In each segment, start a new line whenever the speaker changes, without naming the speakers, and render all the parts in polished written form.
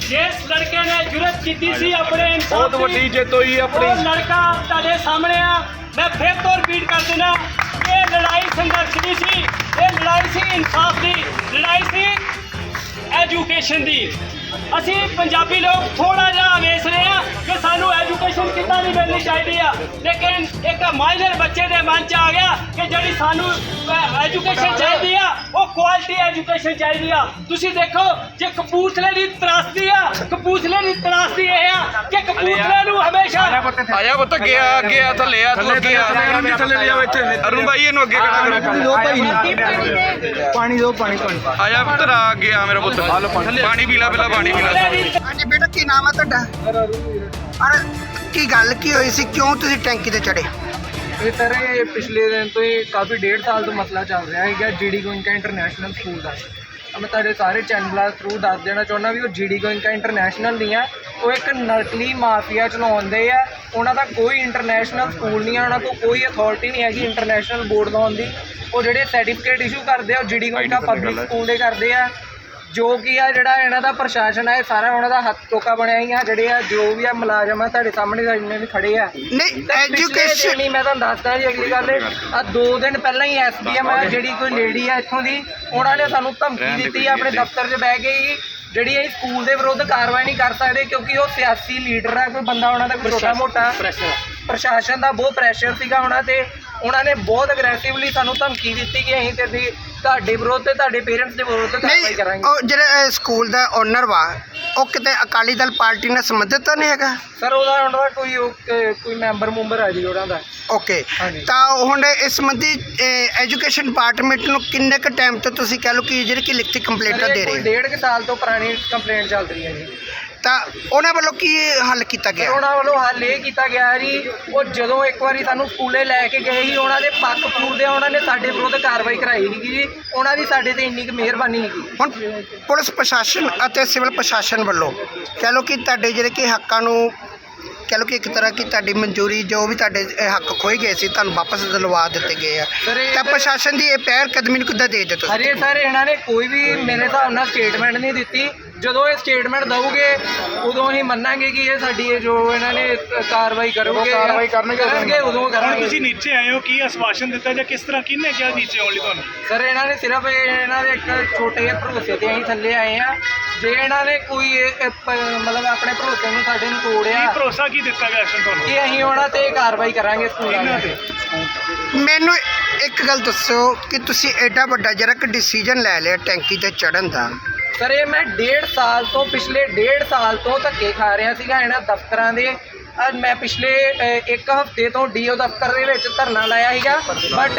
जिस लड़के ने जुरत की सी अपने
बहुत वड्डी जित हुई अपनी।
लड़का तुहाडे सामने आ, मैं फिर तो रिपीट कर देना, ये लड़ाई संघर्ष नहीं सी, ये लड़ाई सी इंसाफ की, लड़ाई सी एजुकेशन की। ਅਸੀਂ ਪੰਜਾਬੀ ਲੋਕ ਥੋੜਾ ਜਿਹਾ ਵੇਖ ਰਹੇ ਆ ਕਿ ਸਾਨੂੰ ਐਜੂਕੇਸ਼ਨ ਕਿੱਦਾਂ ਦੀ ਮਿਲਣੀ ਚਾਹੀਦੀ ਆ, ਲੇਕਿਨ ਇੱਕ ਮਾਈਨਰ ਬੱਚੇ ਦੇ ਮਨ 'ਚ ਆ ਗਿਆ ਕਿ ਜਿਹੜੀ ਸਾਨੂੰ ਐਜੂਕੇਸ਼ਨ ਚਾਹੀਦੀ ਆ ਉਹ ਕੁਆਲਿਟੀ ਐਜੂਕੇਸ਼ਨ ਚਾਹੀਦੀ ਆ। ਤੁਸੀਂ ਦੇਖੋ ਜੇ ਕਪੂਰਥਲੇ ਦੀ ਤਰਾਸਦੀ ਆ, ਕਪੂਰਥਲੇ ਦੀ ਤਰਾਸਦੀ ਇਹ ਆ ਕਿ ਕਪੂਰਥਲੇ ਨੂੰ ਹਮੇਸ਼ਾ
ਆਇਆ ਪੁੱਤ ਗਿਆ ਅੱਗੇ ਆ ਥੱਲੇ ਆ ਤੂੰ ਅੱਗੇ ਆ ਥੱਲੇ ਲਿਆਓ ਇੱਥੇ ਅਰੁਣ ਭਾਈ ਇਹਨੂੰ ਅੱਗੇ ਖੜਾ ਕਰੋ ਪਾਣੀ ਦੋ ਪਾਣੀ ਆਇਆ ਪੁੱਤ ਆ ਅੱਗੇ ਆ ਮੇਰਾ ਪੁੱਤ ਪਾਣੀ ਪੀ ਲੈ ਪਹਿਲਾਂ ਪਾਣੀ ਪੀ ਲੈ।
ਹਾਂਜੀ ਬੇਟਾ ਕੀ ਨਾਮ ਹੈ ਤੁਹਾਡਾ? ਔਰ ਕੀ ਗੱਲ ਕੀ ਹੋਈ ਸੀ, ਕਿਉਂ ਤੁਸੀਂ ਟੈਂਕੀ ਤੇ ਚੜੇ?
ਇਹ ਸਰ ਇਹ ਪਿਛਲੇ ਦਿਨ ਤੋਂ ਹੀ ਕਾਫੀ 1.5 ਸਾਲ ਤੋਂ ਮਸਲਾ ਚੱਲ ਰਿਹਾ ਹੈਗਾ GD ਗੋਇੰਕਾ ਇੰਟਰਨੈਸ਼ਨਲ ਸਕੂਲ ਦਾ। ਮੈਂ ਤੁਹਾਡੇ ਸਾਰੇ ਚੈਨਲਾਂ ਥਰੂ ਦੱਸ ਦੇਣਾ ਚਾਹੁੰਦਾ ਵੀ ਉਹ GD ਗੋਇੰਕਾ ਇੰਟਰਨੈਸ਼ਨਲ ਨਹੀਂ ਹੈ, ਉਹ ਇੱਕ ਨਕਲੀ ਮਾਫੀਆ ਚਲਾਉਂਦੇ ਆ। ਉਹਨਾਂ ਦਾ ਕੋਈ ਇੰਟਰਨੈਸ਼ਨਲ ਸਕੂਲ ਨਹੀਂ ਹੈ, ਉਹਨਾਂ ਕੋਲ ਕੋਈ ਅਥਾਰਟੀ ਨਹੀਂ ਹੈਗੀ ਇੰਟਰਨੈਸ਼ਨਲ ਬੋਰਡ ਲਾਉਣ ਦੀ। ਉਹ ਜਿਹੜੇ ਸਰਟੀਫਿਕੇਟ ਇਸ਼ੂ ਕਰਦੇ ਆ ਉਹ GD ਗੋਇੰਕਾ ਪਬਲਿਕ ਸਕੂਲ ਦੇ ਕਰਦੇ ਆ। ਜੋ ਕਿ ਆ ਜਿਹੜਾ ਇਹਨਾਂ ਦਾ ਪ੍ਰਸ਼ਾਸਨ ਹੈ ਸਾਰਾ ਉਹਨਾਂ ਦਾ ਹੱਥ ਟੋਕਾ ਬਣਿਆ ਹੀ ਆ। ਜਿਹੜੇ ਆ ਜੋ ਵੀ ਆ ਮੁਲਾਜ਼ਮ ਆ ਤੁਹਾਡੇ ਸਾਹਮਣੇ ਜਿੰਨੇ ਵੀ ਖੜੇ ਆ
ਨਹੀਂ ਐਜੂਕੇਸ਼ਨ
ਨਹੀਂ, ਮੈਂ ਤੁਹਾਨੂੰ ਦੱਸਦਾ ਜੀ ਅਗਲੀ ਗੱਲ ਆ 2 ਦਿਨ ਪਹਿਲਾਂ ਹੀ SDM ਆ ਜਿਹੜੀ ਕੋਈ ਲੇਡੀ ਆ ਇੱਥੋਂ ਦੀ, ਉਹਨਾਂ ਨੇ ਸਾਨੂੰ ਧਮਕੀ ਦਿੱਤੀ ਆਪਣੇ ਦਫ਼ਤਰ 'ਚ ਬਹਿ ਕੇ ਹੀ ਜਿਹੜੀ ਇਹ ਸਕੂਲ ਦੇ ਵਿਰੁੱਧ ਕਾਰਵਾਈ ਨਹੀਂ ਕਰ ਸਕਦੇ ਕਿਉਂਕਿ ਉਹ ਸਿਆਸੀ ਲੀਡਰ ਆ, ਕੋਈ ਬੰਦਾ ਉਹਨਾਂ ਦਾ ਕੋਈ ਛੋਟਾ ਮੋਟਾ ਪ੍ਰਸ਼ਾਸਨ ਦਾ ਬਹੁਤ ਪ੍ਰੈਸ਼ਰ ਸੀਗਾ ਉਹਨਾਂ ਤੇ। ਉਹਨਾਂ ਨੇ ਬਹੁਤ ਅਗਰੈਸਿਵਲੀ ਸਾਨੂੰ ਧਮਕੀ ਦਿੱਤੀ ਕਿ ਅਸੀਂ ਤੇ ਤੁਹਾਡੇ ਵਿਰੁੱਧ ਤੇ ਤੁਹਾਡੇ ਪੇਰੈਂਟਸ ਦੇ ਵਿਰੁੱਧ ਕਾਰਵਾਈ
ਨਹੀਂ,
ਕਰਾਂਗੇ।
ਉਹ ਜਿਹੜੇ ਸਕੂਲ ਦਾ ਓਨਰ ਵਾ ਉਹ ਕਿਤੇ ਅਕਾਲੀ ਦਲ ਪਾਰਟੀ ਨਾਲ ਸੰਬੰਧਿਤ ਤਾਂ ਨਹੀਂ ਹੈਗਾ?
ਸਰ ਉਹਨਾਂ ਦਾ ਕੋਈ ਮੈਂਬਰ ਆ ਜੀ ਉਹਨਾਂ ਦਾ।
ਓਕੇ, ਤਾਂ ਹੁਣ ਇਸ ਸੰਬੰਧੀ ਐਜੂਕੇਸ਼ਨ ਡਿਪਾਰਟਮੈਂਟ ਨੂੰ ਕਿੰਨੇ ਕੁ ਟਾਈਮ ਤੋਂ ਤੁਸੀਂ ਕਹਿ ਲਓ ਕਿ ਜਿਹੜੀ ਕਿ ਲਿਖਤੀ ਕੰਪਲੇਂਟਾਂ ਦੇ ਰਹੇ ਹੋ?
1.5 ਸਾਲ ਤੋਂ ਪੁਰਾਣੀ ਕੰਪਲੇਂਟ ਚੱਲ ਰਹੀ ਹੈ ਜੀ।
ਤਾਂ ਉਹਨਾਂ ਵੱਲੋਂ ਕੀ ਹੱਲ ਕੀਤਾ ਗਿਆ?
ਉਹਨਾਂ ਵੱਲੋਂ ਹੱਲ ਇਹ ਕੀਤਾ ਗਿਆ ਜੀ, ਉਹ ਜਦੋਂ ਇੱਕ ਵਾਰੀ ਸਾਨੂੰ ਸਕੂਲੇ ਲੈ ਕੇ ਗਏ ਸੀ ਉਹਨਾਂ ਦੇ ਪੱਖ ਪੂਰਦੇ ਉਹਨਾਂ ਨੇ ਸਾਡੇ ਵਿਰੁੱਧ ਕਾਰਵਾਈ ਕਰਾਈ ਸੀਗੀ ਜੀ। ਉਹਨਾਂ ਦੀ ਸਾਡੇ ਤੇ ਇੰਨੀ ਕੁ ਮਿਹਰਬਾਨੀ ਸੀਗੀ।
ਹੁਣ ਪੁਲਿਸ ਪ੍ਰਸ਼ਾਸਨ ਅਤੇ ਸਿਵਲ ਪ੍ਰਸ਼ਾਸਨ ਵੱਲੋਂ ਕਹਿ ਲਓ ਕਿ ਤੁਹਾਡੇ ਜਿਹੜੇ ਕਿ ਹੱਕਾਂ ਨੂੰ ਕਹਿ ਲਓ ਕਿ ਇੱਕ ਤਰ੍ਹਾਂ ਕਿ ਤੁਹਾਡੀ ਮਨਜ਼ੂਰੀ ਜੋ ਵੀ ਤੁਹਾਡੇ ਹੱਕ ਖੋਏ ਗਏ ਸੀ ਤੁਹਾਨੂੰ ਵਾਪਸ ਦਿਲਵਾ ਦਿੱਤੇ ਗਏ ਆ, ਤਾਂ ਪ੍ਰਸ਼ਾਸਨ ਦੀ ਇਹ ਪਹਿਲ ਕਦਮੀ ਨੂੰ ਕਿੱਦਾਂ ਦੇਖਦੇ ਤੁਸੀਂ?
ਅਰੇ ਸਰ ਇਹਨਾਂ ਨੇ ਕੋਈ ਵੀ ਮੇਰੇ ਹਿਸਾਬ ਨਾਲ ਸਟੇਟਮੈਂਟ ਨਹੀਂ ਦਿੱਤੀ। ਜਦੋਂ ਇਹ ਸਟੇਟਮੈਂਟ ਦਊਗੇ ਉਦੋਂ ਹੀ ਮੰਨਾਂਗੇ ਕਿ ਇਹ ਸਾਡੀ ਜੋ ਇਹਨਾਂ ਨੇ ਕਾਰਵਾਈ ਕਰਨਗੇ ਉਦੋਂ ਕਰਾਂਗੇ।
ਤੁਸੀਂ ਨੀਚੇ ਆਏ ਹੋ, ਕੀ ਆਸ਼ਵਾਸਨ ਦਿੱਤਾ ਜਾਂ ਕਿਸ ਤਰ੍ਹਾਂ ਕਿਹਨੇ ਕਿਹਾ ਨੀਚੇ ਆਉਣ ਲਈ ਤੁਹਾਨੂੰ?
ਸਰ ਇਹਨਾਂ ਨੇ ਸਿਰਫ ਇਹਨਾਂ ਦੇ ਇੱਕ ਛੋਟੇ ਜਿਹੇ ਭਰੋਸੇ ਤੇ ਅਸੀਂ ਥੱਲੇ ਆਏ ਆ। ਜੇ ਇਹਨਾਂ ਨੇ ਕੋਈ ਮਤਲਬ ਆਪਣੇ ਭਰੋਸੇ ਨੂੰ ਸਾਡੇ ਨੂੰ ਤੋੜਿਆ,
ਭਰੋਸਾ ਕੀ ਦਿੱਤਾ ਗਿਆ ਤੁਹਾਨੂੰ
ਕਿ ਅਸੀਂ ਉਹਨਾਂ ਤੇ ਕਾਰਵਾਈ ਕਰਾਂਗੇ ਸਕੂਲਾਂ ਤੇ।
ਮੈਨੂੰ ਇੱਕ ਗੱਲ ਦੱਸੋ ਕਿ ਤੁਸੀਂ ਐਡਾ ਵੱਡਾ ਜਿਹੜਾ ਕਿ ਡਿਸੀਜਨ ਲੈ ਲਿਆ ਟੈਂਕੀ ਤੇ ਚੜ੍ਹਨ ਦਾ।
ਸਰ ਇਹ ਮੈਂ 1.5 ਸਾਲ ਤੋਂ ਪਿਛਲੇ 1.5 ਸਾਲ ਤੋਂ ਧੱਕੇ ਖਾ ਰਿਹਾ ਸੀਗਾ ਇਹਨਾਂ ਦਫ਼ਤਰਾਂ ਦੇ। ਮੈਂ ਪਿਛਲੇ 1 ਹਫ਼ਤੇ ਤੋਂ DO ਦਫ਼ਤਰ ਦੇ ਵਿੱਚ ਧਰਨਾ ਲਾਇਆ ਸੀਗਾ, ਬਟ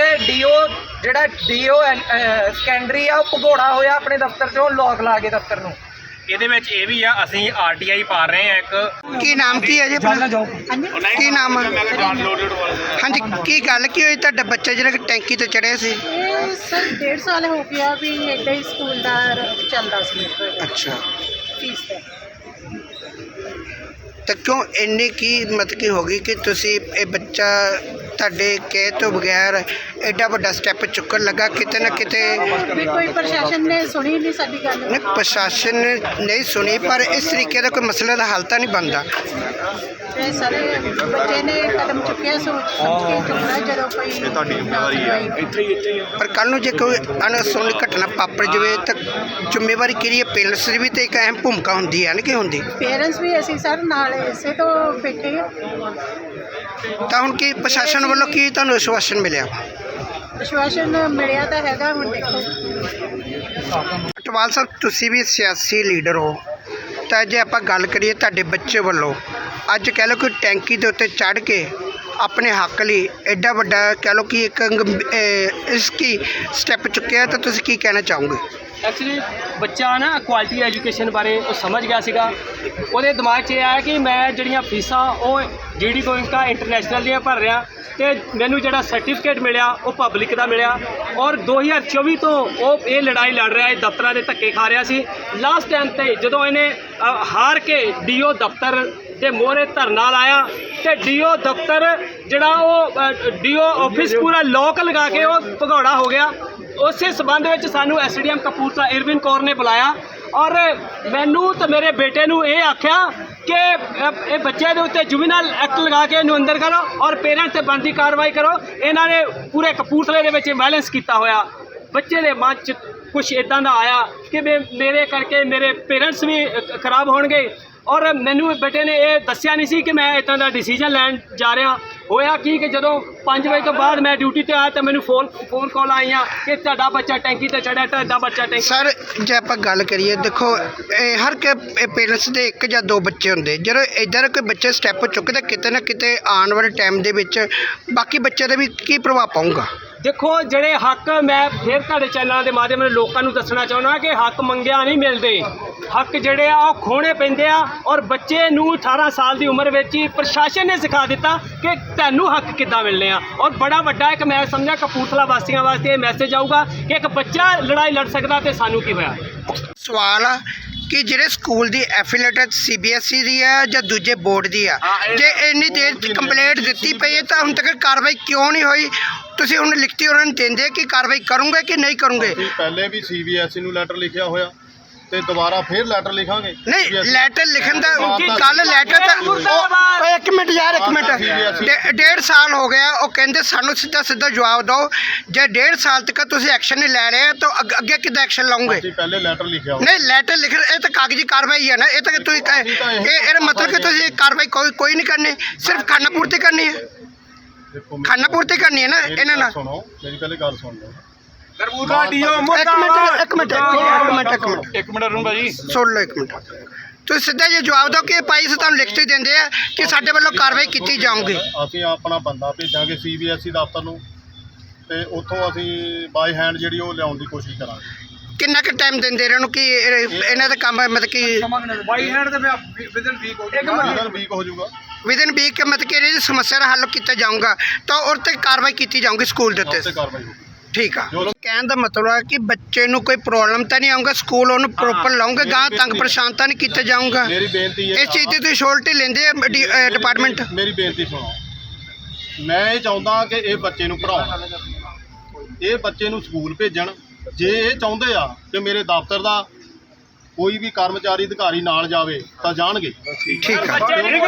DO ਸੈਕੰਡਰੀ ਆ ਉਹ ਭਗੌੜਾ ਹੋਇਆ ਆਪਣੇ ਦਫ਼ਤਰ 'ਚੋਂ ਲੋਕ ਲਾ ਕੇ ਦਫ਼ਤਰ ਨੂੰ।
ਇਹਦੇ ਵਿੱਚ ਇਹ ਵੀ ਆ, ਅਸੀਂ RTI ਪਾ ਰਹੇ ਆ ਇੱਕ।
ਕੀ ਨਾਮ ਕੀ ਹੈ ਜੀ ਆਪਣਾ? ਕੀ ਨਾਮ ਹੈ? ਹਾਂਜੀ, ਕੀ ਗੱਲ ਕੀ ਹੋਈ ਤੁਹਾਡਾ ਬੱਚਾ ਜਿਹੜਾ ਕਿ ਟੈਂਕੀ ਤੇ ਚੜਿਆ ਸੀ?
ਇਹ ਸਰ 1.5 ਸਾਲ ਹੋ ਗਿਆ ਵੀ ਇੱਦਾਂ ਹੀ ਸਕੂਲ ਦਾ ਚੱਲਦਾ ਸੀ।
ਅੱਛਾ,
ਫੀਸ ਤੇ
ਤਾਂ ਕਿਉਂ ਇੰਨੀ ਕੀ ਮਤਲਬ ਕੀ ਹੋ ਗਈ ਕਿ ਤੁਸੀਂ ਇਹ ਬੱਚਾ ਤੁਹਾਡੇ ਕਹਿ ਤੋਂ ਬਗੈਰ ਐਡਾ ਵੱਡਾ ਸਟੈਪ ਚੁੱਕਣ ਲੱਗਾ? ਕਿਤੇ ਨਾ ਕਿਤੇ
ਵੀ ਕੋਈ ਪ੍ਰਸ਼ਾਸਨ ਨੇ ਸੁਣੀ ਨਹੀਂ ਸਾਡੀ ਗੱਲ।
ਨਹੀਂ, ਪ੍ਰਸ਼ਾਸਨ ਨੇ ਨਹੀਂ ਸੁਣੀ, ਪਰ ਇਸ ਤਰੀਕੇ ਦਾ ਕੋਈ ਮਸਲੇ ਦਾ ਹੱਲ ਤਾਂ ਨਹੀਂ ਬਣਦਾ।
ਤੇ ਸਾਰੇ ਬੱਚੇ ਨੇ ਕਦਮ ਚੁੱਕਿਆ ਸੋਚ ਸਮਝ ਕੇ ਚੁੱਕਣਾ ਜਦੋਂ ਕੋਈ ਤੁਹਾਡੀ ਜ਼ਿੰਮੇਵਾਰੀ ਹੈ।
ਪਰ ਕੱਲ੍ਹ ਨੂੰ ਜੇ ਕੋਈ ਅਣਸੁਣੀ ਘਟਨਾ ਵਾਪਰ ਜਾਵੇ ਤਾਂ ਜ਼ਿੰਮੇਵਾਰੀ ਕਿਹੜੀ ਹੈ? ਪੇਰੈਂਟਸ ਦੀ ਵੀ ਤਾਂ ਇੱਕ ਅਹਿਮ ਭੂਮਿਕਾ ਹੁੰਦੀ ਹੈ ਨਾ, ਕਿ ਹੁੰਦੀ?
ਪੇਰੈਂਟਸ ਵੀ ਅਸੀਂ ਸਰ ਨਾਲ ਇਸੇ ਤੋਂ ਬੈਠੇ ਹਾਂ।
ਤਾਂ ਹੁਣ ਕੀ ਪ੍ਰਸ਼ਾਸਨ ਵੱਲੋਂ ਕੀ ਤੁਹਾਨੂੰ ਆਸ਼ਵਾਸਨ ਮਿਲਿਆ?
ਵਿਸ਼ਵਾਸਨ ਮਿਲਿਆ ਤਾਂ ਹੈਗਾ, ਹੁਣ ਦੇਖੋ।
ਅਟਵਾਲ ਸਾਹਿਬ, ਤੁਸੀਂ ਵੀ ਸਿਆਸੀ ਲੀਡਰ ਹੋ, ਤਾਂ ਜੇ ਆਪਾਂ ਗੱਲ ਕਰੀਏ ਤੁਹਾਡੇ ਬੱਚੇ ਵੱਲੋਂ ਅੱਜ ਕਹਿ ਲਓ ਕਿ ਟੈਂਕੀ ਦੇ ਉੱਤੇ ਚੜ੍ਹ ਕੇ ਆਪਣੇ ਹੱਕ ਲਈ ਐਡਾ ਵੱਡਾ ਕਹਿ ਲਓ ਕਿ ਇੱਕ ਇਸ ਕੀ ਸਟੈਪ ਚੁੱਕਿਆ, ਤਾਂ ਤੁਸੀਂ ਕੀ ਕਹਿਣਾ ਚਾਹੋਗੇ?
ਐਕਚੁਅਲੀ ਬੱਚਾ ਨਾ ਕੁਆਲਿਟੀ ਐਜੂਕੇਸ਼ਨ ਬਾਰੇ ਉਹ ਸਮਝ ਗਿਆ ਸੀਗਾ। ਉਹਦੇ ਦਿਮਾਗ 'ਚ ਇਹ ਆਇਆ ਕਿ ਮੈਂ ਜਿਹੜੀਆਂ ਫੀਸਾਂ ਉਹ GD ਗੋਇੰਕਾ ਇੰਟਰਨੈਸ਼ਨਲ ਦੀਆਂ ਭਰ ਰਿਹਾ ਤੇ ਮੈਨੂੰ ਜਿਹੜਾ ਸਰਟੀਫਿਕੇਟ ਮਿਲਿਆ ਉਹ ਪਬਲਿਕ ਦਾ ਮਿਲਿਆ। ਔਰ 2024 ਤੋਂ ਉਹ ਇਹ ਲੜਾਈ ਲੜ ਰਿਹਾ, ਇਹ ਦਫ਼ਤਰਾਂ ਦੇ ਧੱਕੇ ਖਾ ਰਿਹਾ ਸੀ। ਲਾਸਟ ਟਾਈਮ ਤੇ ਜਦੋਂ ਇਹਨੇ ਹਾਰ ਕੇ DO ਦਫ਼ਤਰ ਦੇ ਮੋਹਰੇ ਧਰਨਾ ਲਾਇਆ ਤੇ DO ਦਫ਼ਤਰ ਜਿਹੜਾ ਉਹ DO ਆਫਿਸ ਪੂਰਾ ਲੋਕ ਲਗਾ ਕੇ ਉਹ ਭਗੌੜਾ ਹੋ ਗਿਆ। ਉਸੇ ਸਬੰਧ ਵਿੱਚ ਸਾਨੂੰ SDM ਕਪੂਰਥਲਾ ਇਰਵਿਨ ਕੌਰ ਨੇ ਬੁਲਾਇਆ ਔਰ ਮੈਨੂੰ ਤੇ ਮੇਰੇ ਬੇਟੇ ਨੂੰ ਇਹ ਆਖਿਆ ਕਿ ਇਹ ਬੱਚੇ ਦੇ ਉੱਤੇ ਜੁਵੀਨਲ ਐਕਟ ਲਗਾ ਕੇ ਇਹਨੂੰ ਅੰਦਰ ਕਰੋ ਔਰ ਪੇਰੈਂਟਸ ਤੇ ਬਣਦੀ ਕਾਰਵਾਈ ਕਰੋ। ਇਹਨਾਂ ਨੇ ਪੂਰੇ ਕਪੂਰਥਲੇ ਦੇ ਵਿੱਚ ਵਾਇਲੈਂਸ ਕੀਤਾ ਹੋਇਆ। ਬੱਚੇ ਦੇ ਮਨ 'ਚ ਕੁਛ ਇਦਾਂ ਦਾ ਆਇਆ ਕਿ ਮੇਰੇ ਕਰਕੇ ਮੇਰੇ ਪੇਰੈਂਟਸ ਵੀ ਖਰਾਬ ਹੋਣਗੇ ਔਰ ਮੈਨੂੰ ਬੇਟੇ ਨੇ ਇਹ ਦੱਸਿਆ ਨਹੀਂ ਸੀ ਕਿ ਮੈਂ ਇਦਾਂ ਦਾ ਡਿਸੀਜਨ ਲੈਣ ਜਾ ਰਿਹਾ। ਹੋਇਆ ਕੀ ਕਿ ਜਦੋਂ 5 ਵਜੇ ਤੋਂ ਬਾਅਦ ਮੈਂ ਡਿਊਟੀ ਤੇ ਆਇਆ ਤਾਂ ਮੈਨੂੰ ਫੋਨ ਕਾਲ ਆਈਆਂ ਕਿ ਤੁਹਾਡਾ ਬੱਚਾ ਟੈਂਕੀ ਤੇ ਚੜਿਆ, ਤੁਹਾਡਾ ਬੱਚਾ ਟੈਂਕੀ।
ਸਰ ਜੇ ਆਪਾਂ ਗੱਲ ਕਰੀਏ ਦੇਖੋ ਹਰ ਕੇ ਪੇਰੈਂਟਸ ਦੇ ਇੱਕ ਜਾਂ ਦੋ ਬੱਚੇ ਹੁੰਦੇ, ਜਦੋਂ ਇੱਧਰ ਕੋਈ ਬੱਚੇ ਸਟੈਪ ਚੁੱਕਦੇ ਕਿਤੇ ਨਾ ਕਿਤੇ ਆਉਣ ਵਾਲੇ ਟਾਈਮ ਦੇ ਵਿੱਚ ਬਾਕੀ ਬੱਚਿਆਂ ਦੇ ਵੀ ਕੀ ਪ੍ਰਭਾਵ ਪਾਊਗਾ?
ਦੇਖੋ ਜਿਹੜੇ ਹੱਕ, ਮੈਂ ਫਿਰ ਤੁਹਾਡੇ ਚੈਨਲਾਂ ਦੇ ਮਾਧਿਅਮ ਨਾਲ ਲੋਕਾਂ ਨੂੰ ਦੱਸਣਾ ਚਾਹੁੰਦਾ ਕਿ ਹੱਕ ਮੰਗਿਆ ਨਹੀਂ ਮਿਲਦੇ। ਹੱਕ ਜਿਹੜੇ ਆ ਉਹ ਖੋਣੇ ਪੈਂਦੇ ਆ ਔਰ ਬੱਚੇ ਨੂੰ 18 ਸਾਲ ਦੀ ਉਮਰ ਵਿੱਚ ਹੀ ਪ੍ਰਸ਼ਾਸਨ ਨੇ ਸਿਖਾ ਦਿੱਤਾ ਕਿ ਤੁਹਾਨੂੰ ਹੱਕ ਕਿੱਦਾਂ ਮਿਲਣੇ ਆ। ਔਰ ਬੜਾ ਵੱਡਾ ਇੱਕ ਮੈਂ ਸਮਝਿਆ ਕਪੂਰਥਲਾ ਵਾਸੀਆਂ ਵਾਸਤੇ ਇਹ ਮੈਸੇਜ ਆਊਗਾ ਕਿ ਇੱਕ ਬੱਚਾ ਲੜਾਈ ਲੜ ਸਕਦਾ ਤੇ ਸਾਨੂੰ ਕੀ ਹੋਇਆ।
ਸਵਾਲ ਆ ਕਿ ਜਿਹੜੇ ਸਕੂਲ ਦੀ ਐਫੀਲੀਏਟਡ CBSE ਦੀ ਹੈ ਜਾਂ ਦੂਜੇ ਬੋਰਡ ਦੀ ਆ, ਜੇ ਇੰਨੀ ਦੇਰ ਕੰਪਲੇਂਟ ਦਿੱਤੀ ਪਈ ਹੈ ਤਾਂ ਹੁਣ ਤੱਕ ਕਾਰਵਾਈ ਕਿਉਂ ਨਹੀਂ ਹੋਈ? ਤੁਸੀਂ ਹੁਣ ਲਿਖਤੀ ਉਹਨਾਂ ਨੂੰ ਦਿੰਦੇ ਕਿ ਕਾਰਵਾਈ ਕਰੋਗੇ ਕਿ ਨਹੀਂ ਕਰੋਗੇ?
ਅਸੀਂ ਪਹਿਲੇ ਵੀ CBSE ਨੂੰ ਲੈਟਰ ਲਿਖਿਆ ਹੋਇਆ ਤੇ ਦੁਬਾਰਾ ਫੇਰ ਲੈਟਰ ਲਿਖਾਂਗੇ।
ਨਹੀਂ ਲੈਟਰ ਲਿਖਣ ਦਾ ਕੱਲ ਲੈਟਰ ਤਾਂ ਇੱਕ ਮਿੰਟ ਯਾਰ, ਇੱਕ ਮਿੰਟ, 1.5 ਸਾਲ ਹੋ ਗਿਆ। ਉਹ ਕਹਿੰਦੇ ਸਾਨੂੰ ਸਿੱਧਾ ਜਵਾਬ ਦਿਓ। ਜੇ 1.5 ਸਾਲ ਤੱਕ ਤੁਸੀਂ ਐਕਸ਼ਨ ਨਹੀਂ ਲੈ ਰਹੇ ਤਾਂ ਅੱਗੇ ਕਿੱਦਾਂ ਐਕਸ਼ਨ ਲਓਗੇ?
ਅਸੀਂ ਪਹਿਲੇ ਲੈਟਰ ਲਿਖਿਆ ਹੋਇਆ।
ਨਹੀਂ ਲੈਟਰ ਲਿਖ ਇਹ ਤਾਂ ਕਾਗਜ਼ੀ ਕਾਰਵਾਈ ਹੈ ਨਾ। ਇਹ ਤਾਂ ਤੁਸੀਂ ਇਹਦਾ ਮਤਲਬ ਕਿ ਤੁਸੀਂ ਕਾਰਵਾਈ ਕੋਈ ਨਹੀਂ ਕਰਨੀ, ਸਿਰਫ ਖਾਨਾ ਪੂਰਤੀ ਕਰਨੀ ਹੈ।
ਦੇਖੋ
ਖਾਨਾ ਪੂਰਤੀ ਕਰਨੀ ਹੈ ਨਾ ਇਹਨਾਂ ਨਾਲ।
ਸੁਣੋ ਮੇਰੀ ਪਹਿਲੇ ਗੱਲ ਸੁਣ ਲਓ।
ਇੱਕ ਮਿੰਟ
ਅਰੁਣ ਭਾਜੀ
ਸੁਣ ਲਓ, ਇੱਕ ਮਿੰਟ। ਤੁਸੀਂ ਸਿੱਧਾ ਜੇ ਜਵਾਬ ਦਿਓ ਕਿ ਭਾਈ ਅਸੀਂ ਤੁਹਾਨੂੰ ਲਿਖਤੀ ਦਿੰਦੇ ਆ ਕਿ ਸਾਡੇ ਵੱਲੋਂ ਕਾਰਵਾਈ ਕੀਤੀ ਜਾਊਗੀ।
ਅਸੀਂ ਆਪਣਾ ਬੰਦਾ ਭੇਜਾਂਗੇ CBSE ਦਫ਼ਤਰ ਨੂੰ ਤੇ ਉੱਥੋਂ ਅਸੀਂ ਬਾਈ ਹੈਂਡ ਜਿਹੜੀ ਉਹ ਲਿਆਉਣ ਦੀ ਕੋਸ਼ਿਸ਼ ਕਰਾਂਗੇ।
ਕਿੰਨਾ ਕੁ ਟਾਈਮ ਦਿੰਦੇ ਇਹਨਾਂ ਨੂੰ ਕਿ ਇਹਨਾਂ ਦਾ ਕੰਮ ਮਤਲਬ ਕਿ
ਬਾਈ ਹੈਂਡ ਤੇ ਵਿਦਨ ਵੀਕ ਹੋ
ਇਹਨਾਂ ਵੀਕ ਹੋ ਜਾਊਗਾ।
ਵਿਦਨ ਵੀਕ ਮਤਲਬ ਕਿ ਇਹਦੀ ਸਮੱਸਿਆ ਦਾ ਹੱਲ ਕੀਤਾ ਜਾਊਗਾ ਤਾਂ ਉਹ 'ਤੇ ਕਾਰਵਾਈ ਕੀਤੀ ਜਾਊਗੀ ਸਕੂਲ ਦੇ ਉੱਤੇ।
ਉੱਤੇ ਕਾਰਵਾਈ ਹੋਊਗੀ।
ਠੀਕ ਆ। ਕਹਿਣ ਦਾ ਮਤਲਬ ਹੈ ਕਿ ਬੱਚੇ ਨੂੰ ਕੋਈ ਪ੍ਰੋਬਲਮ ਤਾਂ ਨਹੀਂ ਆਊਗਾ, ਸਕੂਲ ਉਹਨੂੰ ਪ੍ਰੋਪਰ ਲਾਉਂਗੇ, ਗਾਂ ਤੰਗ ਪਰੇਸ਼ਾਨ ਤਾਂ ਨਹੀਂ ਕੀਤਾ ਜਾਊਗਾ।
ਮੇਰੀ ਬੇਨਤੀ ਹੈ
ਇਸ ਚੀਜ਼ ਦੀ ਤੁਸੀਂ ਸ਼ੋਰਟੀ ਲੈਂਦੇ ਆ ਡਿਪਾਰਟਮੈਂਟ?
ਮੇਰੀ ਬੇਨਤੀ ਸੁਣੋ। ਮੈਂ ਇਹ ਚਾਹੁੰਦਾ ਕਿ ਇਹ ਬੱਚੇ ਨੂੰ ਪੜ੍ਹਾਉਣ, ਇਹ ਬੱਚੇ ਨੂੰ ਸਕੂਲ ਭੇਜਣ। ਜੇ ਇਹ ਚਾਹੁੰਦੇ ਆ ਕਿ ਮੇਰੇ ਦਫ਼ਤਰ ਦਾ ਕੋਈ ਵੀ ਕਰਮਚਾਰੀ ਅਧਿਕਾਰੀ ਨਾਲ ਜਾਵੇ ਤਾਂ ਜਾਣਗੇ।
ਠੀਕ ਆ।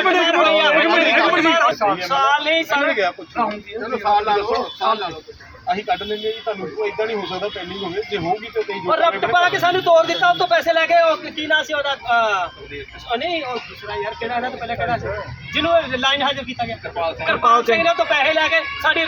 ਸਾਲ ਨਹੀਂ ਸਾਲ
ਗਿਆ ਕੁਝ ਸਾਲ ਲਾ ਲਓ ਅਸੀਂ ਕੱਢ ਲੈਂਦੇ ਜੀ। ਤੁਹਾਨੂੰ ਕੋਈ ਇਦਾਂ ਨਹੀਂ ਹੋ ਸਕਦਾ ਪੈਂਡਿੰਗ ਹੋਵੇ, ਜੇ ਹੋਊਗੀ ਤਾਂ ਕਈ
ਔਰ ਰਫਟ ਪਾ ਕੇ ਸਾਨੂੰ ਤੋੜ ਦਿੱਤਾ, ਉਹ ਤੋਂ ਪੈਸੇ ਲੈ ਕੇ। ਉਹ ਕੀ ਨਾਂ ਸੀ ਉਹਦਾ? ਨਹੀਂ ਉਹ ਦੂਸਰਾ ਯਾਰ ਕਿਹੜਾ, ਇਹਨਾਂ ਤੋਂ ਪਹਿਲਾਂ ਕਿਹੜਾ ਸੀ ਜਿਹਨੂੰ ਲਾਈਨ ਹਾਜ਼ਰ ਕੀਤਾ ਗਿਆ? ਕਿਰਪਾਲ ਸਿੰਘ ਨੇ ਤੋਂ ਪੈਸੇ ਲੈ ਕੇ ਸਾਡੀ